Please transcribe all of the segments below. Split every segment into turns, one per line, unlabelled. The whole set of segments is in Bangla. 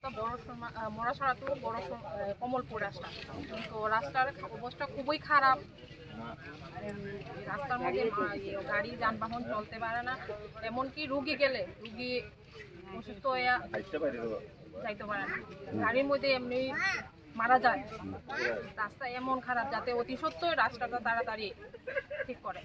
মরাছড়া টু কমলপুর রাস্তা, তো রাস্তার অবস্থা খুবই খারাপ। রাস্তার মধ্যে গাড়ি যানবাহন চলতে পারে না, এমনকি রুগী গেলে রুগী অসুস্থ হয়ে যাইতে পারে না, গাড়ির মধ্যে এমনি মারা যায়। রাস্তা এমন খারাপ যাতে অতি সত্ত্বই রাস্তাটা তাড়াতাড়ি ঠিক করে।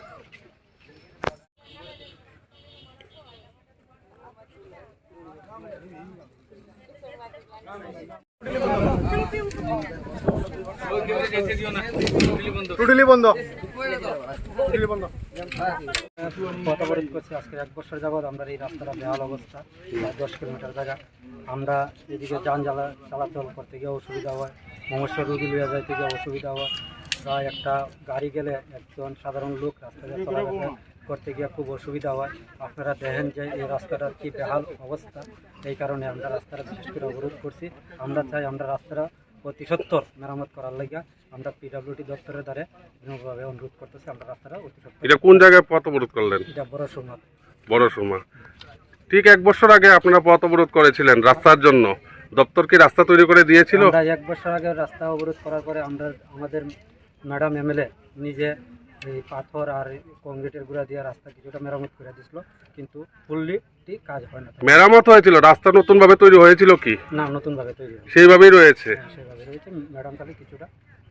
অবরোধ করছি আজকে 1 বছর যাবৎ। আমরা এই রাস্তাটা বেহাল অবস্থা, 10 কিলোমিটার জায়গা। আমরা এদিকে যান চলাচল করতে গিয়ে অসুবিধা হয়, মমস্য রুগী লিয়ে যাইতে গিয়ে অসুবিধা হয়। প্রায় একটা গাড়ি গেলে একজন সাধারণ লোক রাস্তায় চলাফেরা করতে গিয়ে খুব অসুবিধা হয়। আপনারা দেখেন যে এই রাস্তাটার কি বেহাল অবস্থা, এই কারণে আমরা রাস্তাটা বিশেষ করে অবরোধ করছি। আমরা চাই আমরা রাস্তাটা অতি সত্বর মেরামত করার লাগে আমরা পিডব্লিউডি দপ্তরের দ্বারা বিনম্রভাবে অনুরোধ করতেছি। আমরা রাস্তাটা অতি সত্বর।
এটা কোন জায়গায় পথ অবরোধ করলেন?
এটা
বড় সুরমা। ঠিক 1 বছর আগে আপনারা পথ অবরোধ করেছিলেন রাস্তার জন্য, দপ্তর কি রাস্তা তৈরি করে দিয়েছিল?
আমরা 1 বছর আগে রাস্তা অবরোধ করার পরে আমাদের ম্যাডাম এমএলএ নিজে এই পাথর আর কংক্রিটের গুঁড়া দিয়ে রাস্তা কিছুটা মেরামত করে দিয়েছিল, কিন্তু ফুললি কাজ হয় না।
মেরামত হয়েছিল, রাস্তা নতুন ভাবে তৈরি হয়েছিল কি?
না, নতুনভাবে তৈরি হয়েছে,
সেইভাবেই রয়েছে।
সেভাবে রয়েছে। ম্যাডাম খালি কিছুটা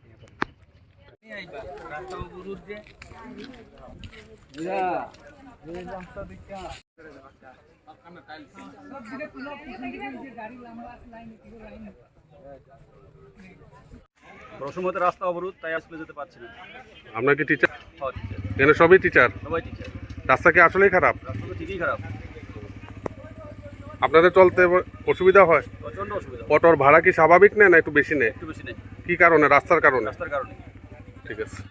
রসমতে রাস্তা অবরোধ, তাই আসলে যেতে পারছি না।
আপনার কি টিচার? এখানে সবই টিচার।
সবাই টিচার।
রাস্তা কি আসলেই খারাপ?
রাস্তা তো ঠিকই খারাপ,
আপনাদের চলতে অসুবিধা হয়?
প্রচন্ড অসুবিধা।
অটোর ভাড়া কি স্বাভাবিক নেয় না একটু বেশি নেয়?
একটু বেশি নেই।
কি কারণে? রাস্তার কারণে?
রাস্তার কারণে।
ঠিক আছে।